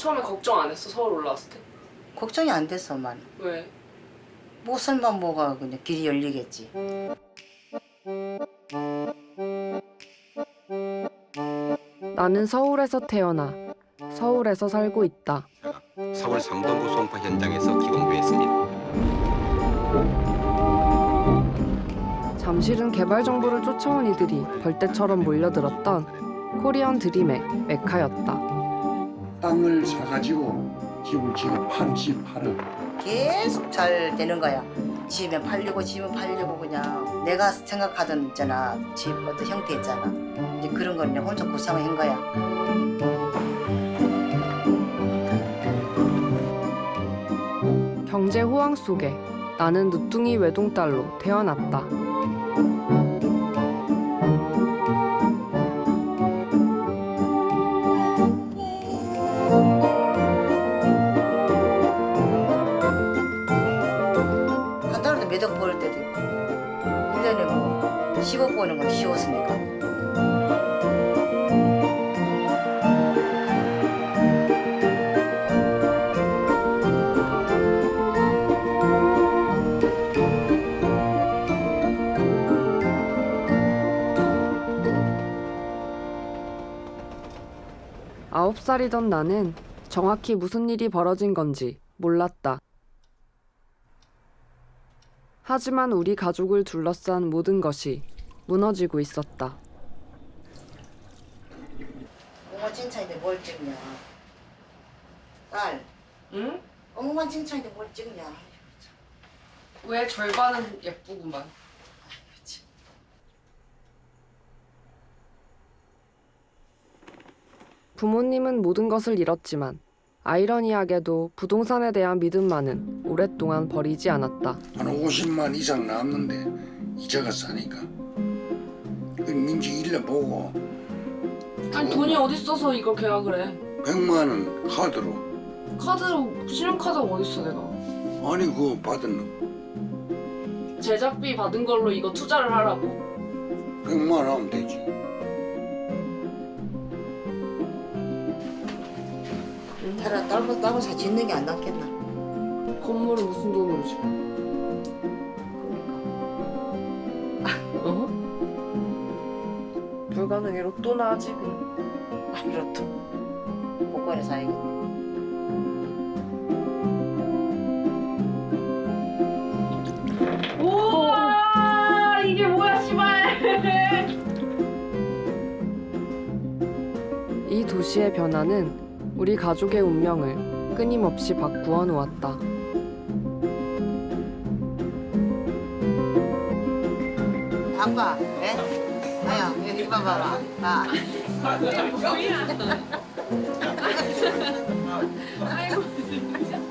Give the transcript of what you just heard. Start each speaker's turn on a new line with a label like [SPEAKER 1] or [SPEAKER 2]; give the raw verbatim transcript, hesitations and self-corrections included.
[SPEAKER 1] 처음에 걱정 안 했어? 서울 올라왔을 때?
[SPEAKER 2] 걱정이 안 됐어, 엄마는.
[SPEAKER 1] 왜?
[SPEAKER 2] 뭐 설마 뭐가 그냥 길이 열리겠지.
[SPEAKER 3] 나는 서울에서 태어나 서울에서 살고 있다.
[SPEAKER 4] 서울 삼번구 송파 현장에서 기공부했습니다.
[SPEAKER 3] 잠실은 개발 정보를 쫓아온 이들이 벌떼처럼 몰려들었던 코리안 드림의 메카였다.
[SPEAKER 5] 땅을 사가지고 집을 지금 판, 집 팔아.
[SPEAKER 2] 계속 잘 되는 거야. 지으면 팔리고 지으면 팔리고 그냥 내가 생각하던 있잖아. 집 어떤 형태 있잖아. 이제 그런 걸 그냥 혼자 구상을 한 거야.
[SPEAKER 3] 경제 호황 속에 나는 누뚱이 외동딸로 태어났다.
[SPEAKER 2] 한 달에도 몇 억 벌 때도 있고 일 년에 뭐 십억 버는 건 쉬웠으니까.
[SPEAKER 3] 아홉 살이던 나는 정확히 무슨 일이 벌어진 건지 몰랐다. 하지만 우리 가족을 둘러싼 모든 것이 무너지고 있었다.
[SPEAKER 2] 엄마 칭찬인데 뭘 찍냐. 딸,
[SPEAKER 1] 응?
[SPEAKER 2] 엄마 칭찬인데 뭘 찍냐.
[SPEAKER 1] 왜 절반은 예쁘구만.
[SPEAKER 3] 부모님은 모든 것을 잃었지만 아이러니하게도 부동산에 대한 믿음만은 오랫동안 버리지 않았다.
[SPEAKER 5] 한 오십만 이상 남는데 이자가 싸니까. 그 민지 일러 보고
[SPEAKER 1] 아니 돈이 어딨어서 이걸 계약을 해.
[SPEAKER 5] 백만 원 카드로.
[SPEAKER 1] 카드로, 신용카드가 어딨어 내가.
[SPEAKER 5] 아니 그거 받은 너
[SPEAKER 1] 제작비 받은 걸로 이거 투자를 하라고.
[SPEAKER 5] 백만 원 하면 되지.
[SPEAKER 2] 차라리 딸고 딸고 사 짓는 게 안 낫겠나.
[SPEAKER 1] 건물은 무슨 돈으로 줘?
[SPEAKER 2] 그러니까.
[SPEAKER 1] 어? 불가능해. 로또나 하지 그냥.
[SPEAKER 2] 아, 로또. 복권에 사야겠네.
[SPEAKER 1] 우와 이게 뭐야 씨발.
[SPEAKER 3] 이 도시의 변화는 우리 가족의 운명을 끊임없이 바꾸어 놓았다.
[SPEAKER 2] 아빠, 예? 아야, 여기 봐봐라. 아.
[SPEAKER 1] 아이고.